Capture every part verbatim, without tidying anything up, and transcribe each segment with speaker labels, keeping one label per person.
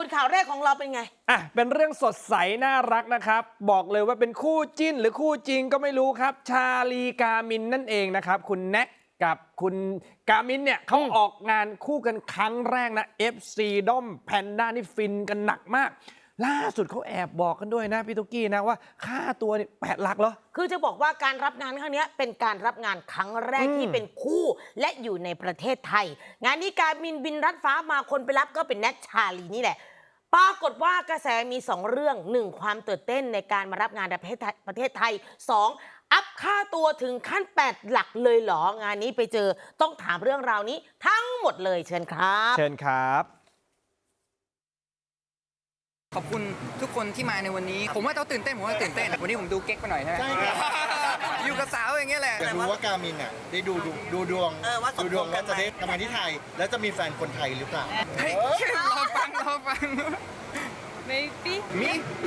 Speaker 1: ข่าวแรกของเราเป็นไง
Speaker 2: อ่ะเป็นเรื่องสดใสน่ารักนะครับบอกเลยว่าเป็นคู่จิ้นหรือคู่จริงก็ไม่รู้ครับชาลีกามินนั่นเองนะครับคุณแน็กกับคุณกามินเนี่ยเขาออกงานคู่กันครั้งแรกนะ เอฟ ซี ด้อมแพนด้านี่ฟินกันหนักมากล่าสุดเขาแอบบอกกันด้วยนะพี่ตุ๊กกี้นะว่าค่าตัวนี่แปดหลักเหรอ
Speaker 1: คือจะบอกว่าการรับงานครั้งนี้เป็นการรับงานครั้งแรกที่เป็นคู่และอยู่ในประเทศไทยงานนี้การบินบินรัดฟ้ามาคนไปรับก็เป็นแน็กชาลีนี่แหละปรากฏว่ากระแสมีสองเรื่องหนึ่งความตื่นเต้นในการมารับงานในประเทศไทยประเทศไทยสองอัพค่าตัวถึงขั้นแปดหลักเลยเหรองานนี้ไปเจอต้องถามเรื่องราวนี้ทั้งหมดเลยเชิญครับ
Speaker 2: เชิญครับ
Speaker 3: ขอบคุณทุกคนที่มาในวันนี้ผมว่าเขาตื่นเต้นผมว่าตื่นเต้นวันนี้ผมดูเก๊กไปหน่อยใช่ไหมใช่อยู่กับสาวอย่างเงี้ยแหละ
Speaker 4: อยากรู้ว่าการมินอ่ะได้ดูดูดูดวงดูดวงว่าจะได้ทำงานที่ไทยแล้วจะมีแฟนคนไทยหรือเปล่า
Speaker 3: เฮ้ยรอฟังรอฟัง
Speaker 5: maybe
Speaker 3: มี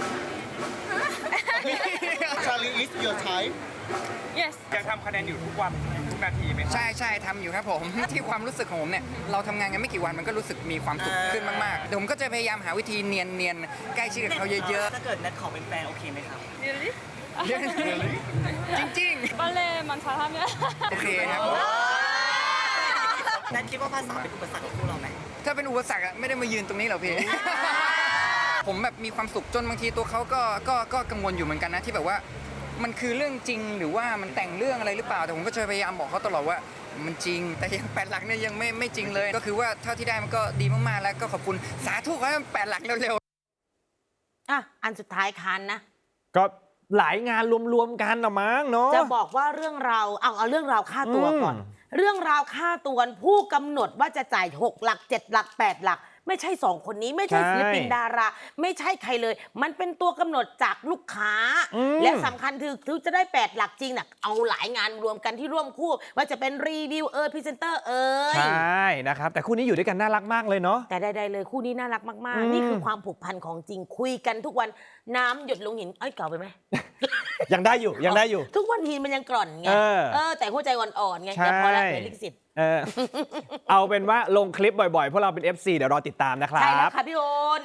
Speaker 4: Charlie is your type
Speaker 5: yes
Speaker 6: ยังทำคะแนนอยู่ทุกวันทุกนาทีไหม
Speaker 3: ใช่ใช่ทำอยู่ครับผมที่ความรู้สึกของผมเนี่ยเราทำงานกันไม่กี่วันมันก็รู้สึกมีความสุขขึ้นมากๆเดี๋ยวผมก็จะพยายามหาวิธีเนียนเนียนใกล้ชิดกับเขาเยอะ
Speaker 6: ๆถ้าเกิดนัดขอเป็นแฟนโอเคไหมครับ
Speaker 5: really
Speaker 3: จริง
Speaker 5: ๆ ballet만 잘하면
Speaker 3: โอเคครับ
Speaker 6: นัดคิดว่าภาษาเป็นอุปสรรคของพวกเราไหม
Speaker 3: ถ้าเป็นอุปสรรคไม่ได้มายืนตรงนี้หรอกพี่ผมแบบมีความสุขจนบางทีตัวเขาก็ก็ก็กังวลอยู่เหมือนกันนะที่แบบว่ามันคือเรื่องจริงหรือว่ามันแต่งเรื่องอะไรหรือเปล่าแต่ผมก็จะพยายามบอกเขาตลอดว่ามันจริงแต่ยังแปดหลักเนี่ยยังไม่ไม่จริงเลยก็คือว่าเท่าที่ได้มันก็ดีมากๆแล้วก็ขอบคุณสาธุขอให้มันแปดหลักเร็ว
Speaker 1: ๆอ่ะอันสุดท้ายคันนะ
Speaker 2: ก็หลายงานรวมๆกันนะมั้งเนาะ
Speaker 1: จะบอกว่าเรื่องราวเอาเอาเรื่องราวค่าตัวก่อนเรื่องราวค่าตัวผู้กำหนดว่าจะจ่ายหกหลักเจ็ดหลักแปดหลักไม่ใช่สองคนนี้ไม่ใช่ศิลปินดาราไม่ใช่ใครเลยมันเป็นตัวกำหนดจากลูกค้าและสำคัญคือถึงจะได้แปดหลักจริงน่ะเอาหลายงานรวมกันที่ร่วมคู่ว่าจะเป็นรีวิวเออพรีเซนเตอร์เออ
Speaker 2: ใช่นะครับแต่คู่นี้อยู่ด้วยกันน่ารักมากเลยเนาะ
Speaker 1: แต่ใดๆเลยคู่นี้น่ารักมากๆนี่คือความผูกพันของจริงคุยกันทุกวันน้ำหยดลงหินเอ้ยเก่าไปไหม
Speaker 2: ยังได้อยู่ยังได้อยู่
Speaker 1: ทุกวันหินมันยังกร่อนไงเออแต่หัวใจอ่อนๆไงอย่าพอละเดี๋ยวลิขสิทธิ์
Speaker 2: เออเอาเป็นว่าลงคลิปบ่อยๆพวกเราเป็น เอฟ ซี เดี๋ยวรอติดตามนะครับ
Speaker 1: ใช่แล้วค่ะพี่โอน